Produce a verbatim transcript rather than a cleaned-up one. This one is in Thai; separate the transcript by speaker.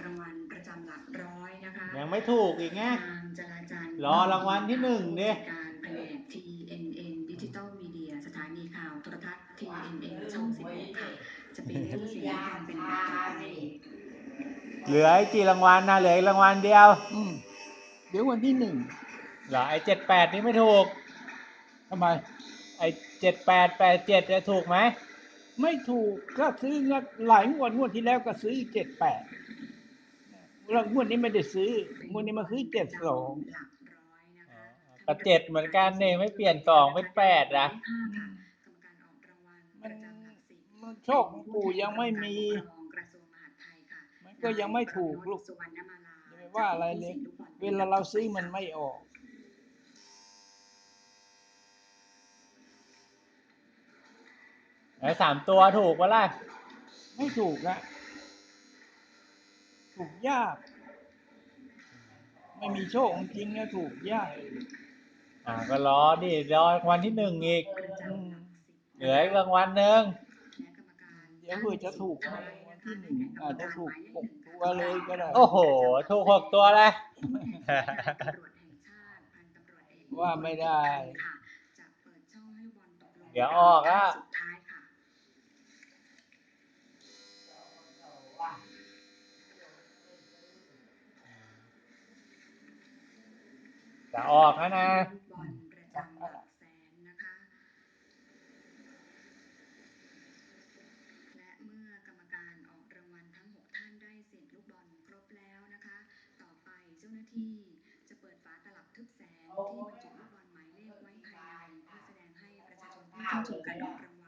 Speaker 1: รางวัลประจำหลักร้อยนะคะ
Speaker 2: ยังไม่ถูกอีกไง
Speaker 1: นางจราจันทร์
Speaker 2: รอรางวัลที่หนึ่งดิ
Speaker 1: ผู้จัดการแผนก ที เอ็น เอ็น ดิจิตอลมีเดียสถานีข่าวโทรทัศน์ ที เอ็น เอ็น ช่องสิบหกค่ะจะเป็นตู้เสียงความเป็นแบบต่อไป
Speaker 2: เหลือไอ้กี่รางวัลนะเหลืออีกรางวัลเดียว
Speaker 3: อืมเดี๋ยววันที่หนึ่ง
Speaker 2: เหรอไอ้เจ็ดแปดนี่ไม่ถูก
Speaker 3: ทำไม
Speaker 2: ไอ้เจ็ดแปดแปดเจ็ดจะถูกไหม
Speaker 3: ไม่ถูกก็ซื้อหลายงวดงวดที่แล้วก็ซื้อเจ็ดแปดแล้วงวดนี้ไม่ได้ซื้องวดนี้มาซื้อเจ็ดสอง
Speaker 1: หลักร้อยนะคะ
Speaker 2: ก็เจ็ดเหมือนกันเนี่ยไม่เปลี่ยนสองเป็นแปดนะ
Speaker 1: กรรมการออกรางวัลป
Speaker 3: มัน
Speaker 1: ระจำหลักสิบ
Speaker 3: มันโชคของปู่ยังไม่มี
Speaker 1: กระทรวงมหาดไทยค่ะ
Speaker 3: มันก็ยังไม่ถูกลูก
Speaker 1: สุวรรณมาลา
Speaker 3: อย่าไปว่าอะไรเลยเวลาเราซื้อมันไม่ออก
Speaker 2: แล้วสามตัวถูกปะล่ะ
Speaker 3: ไม่ถูกอะถูกยากไม่มีโชคจริงๆนะถูกยาก
Speaker 2: อ่าก็รอดิรอรางวัลที่หนึ่งอีกเหลืออีกรางวัลหนึ่ง
Speaker 3: เดี๋ยวเผื่อจะถูกรางวัลที่หนึ่งอาจจะถูกหกตัวเลยก็ได้
Speaker 2: โอ้โหถูกหกตัวเลย
Speaker 3: ว่าไม่ได้
Speaker 2: เดี๋ยวออกอ่ะจะออกแล้วนะ
Speaker 1: บอลประจำหลักแสนนะคะและเมื่อกรรมการออกรางวัลทั้งหกท่านได้เสี่ยงลูกบอลครบแล้วนะคะต่อไปเจ้าหน้าที่จะเปิดฝาตลับทึบแสงที่บรรจุลูกบอลหมายเลขไว้ภายในเพื่อแสดงให้ประชาชนผู้เข้าชมการออกรางวัล